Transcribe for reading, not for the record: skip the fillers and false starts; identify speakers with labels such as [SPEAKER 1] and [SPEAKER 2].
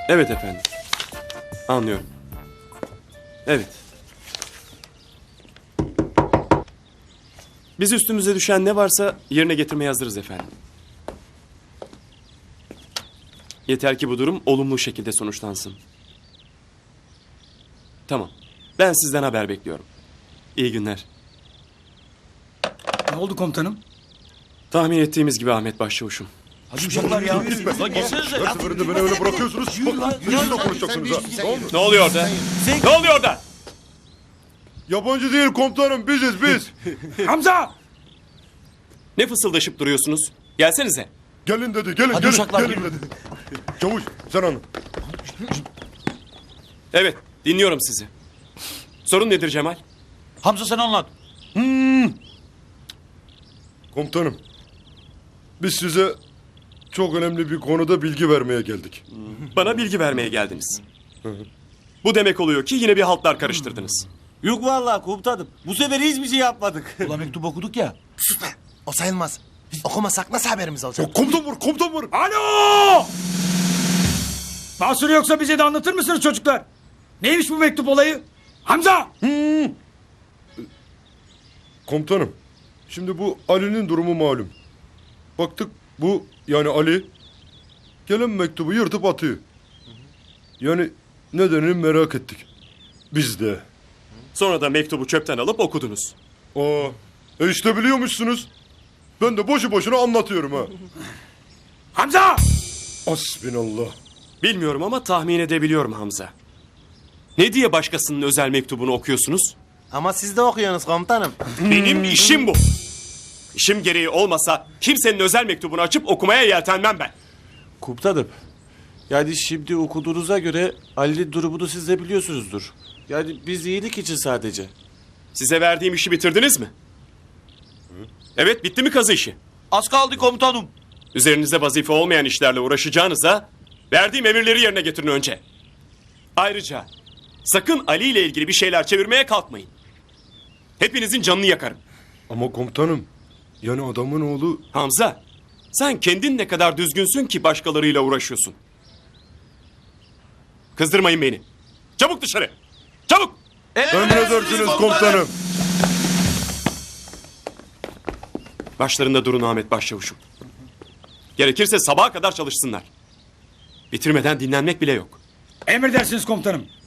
[SPEAKER 1] Evet efendim. Anlıyorum. Evet. Biz üstümüze düşen ne varsa yerine getirmeye hazırız efendim. Yeter ki bu durum olumlu şekilde sonuçlansın. Tamam. Ben sizden haber bekliyorum. İyi günler.
[SPEAKER 2] Ne oldu komutanım?
[SPEAKER 1] Tahmin ettiğimiz gibi Ahmet Başçavuş'um.
[SPEAKER 2] Hadi uşaklar ya.
[SPEAKER 3] Her seferinde beni öyle bırakıyorsunuz. Bak, sizinle konuşacaksınız ha. Tamam mı?
[SPEAKER 1] Ne oluyor orada? Ne oluyor orada?
[SPEAKER 3] Yabancı değil komutanım, biziz biz.
[SPEAKER 2] Hamza!
[SPEAKER 1] Ne fısıldaşıp duruyorsunuz? Gelsenize.
[SPEAKER 3] Gelin dedi, gelin,
[SPEAKER 2] Hadi
[SPEAKER 3] gelin,
[SPEAKER 2] uşaklar,
[SPEAKER 3] gelin
[SPEAKER 2] gelin.
[SPEAKER 3] dedi. Çavuş, sen anlat.
[SPEAKER 1] Evet, dinliyorum sizi. Sorun nedir Cemal?
[SPEAKER 2] Hamza sen anlat.
[SPEAKER 3] Komutanım, biz size çok önemli bir konuda bilgi vermeye geldik.
[SPEAKER 1] Bana bilgi vermeye geldiniz. Bu demek oluyor ki yine bir haltlar karıştırdınız.
[SPEAKER 4] Yok vallahi komutanım. Bu sefer hiçbir şey yapmadık.
[SPEAKER 2] Ulan mektup okuduk ya.
[SPEAKER 5] Sus be. O sayılmaz. Okumasak nasıl haberimiz olacak?
[SPEAKER 3] Ya, komutan vur, komutan vur.
[SPEAKER 2] Alo! Mahsuru yoksa bize de anlatır mısınız çocuklar? Neymiş bu mektup olayı? Hamza!
[SPEAKER 3] Komutanım, şimdi bu Ali'nin durumu malum. Baktık bu, yani Ali, gelen mektubu yırtıp atıyor. Yani nedenini merak ettik. Biz de.
[SPEAKER 1] Sonra da mektubu çöpten alıp okudunuz.
[SPEAKER 3] İşte biliyormuşsunuz. Ben de boşu boşuna anlatıyorum ha.
[SPEAKER 2] Hamza!
[SPEAKER 3] Hasbinallah.
[SPEAKER 1] Bilmiyorum ama tahmin edebiliyorum Hamza. Ne diye başkasının özel mektubunu okuyorsunuz?
[SPEAKER 5] Ama siz de okuyorsunuz komutanım.
[SPEAKER 1] Benim işim bu. İşim gereği olmasa kimsenin özel mektubunu açıp okumaya yeltenmem ben.
[SPEAKER 4] Komutanım. Yani şimdi okuduğunuza göre Ali durumunu siz de biliyorsunuzdur. Yani biz iyilik için sadece.
[SPEAKER 1] Size verdiğim işi bitirdiniz mi? Evet, bitti mi kazı işi?
[SPEAKER 4] Az kaldı komutanım.
[SPEAKER 1] Üzerinizde vazife olmayan işlerle uğraşacağınıza verdiğim emirleri yerine getirin önce. Ayrıca sakın Ali ile ilgili bir şeyler çevirmeye kalkmayın. Hepinizin canını yakarım.
[SPEAKER 3] Ama komutanım, yani adamın oğlu...
[SPEAKER 1] Hamza, sen kendin ne kadar düzgünsün ki başkalarıyla uğraşıyorsun. Kızdırmayın beni. Çabuk dışarı. Çabuk.
[SPEAKER 3] Emredersiniz komutanım.
[SPEAKER 1] Başlarında durun Ahmet Başçavuşum. Gerekirse sabaha kadar çalışsınlar. Bitirmeden dinlenmek bile yok.
[SPEAKER 2] Emredersiniz komutanım.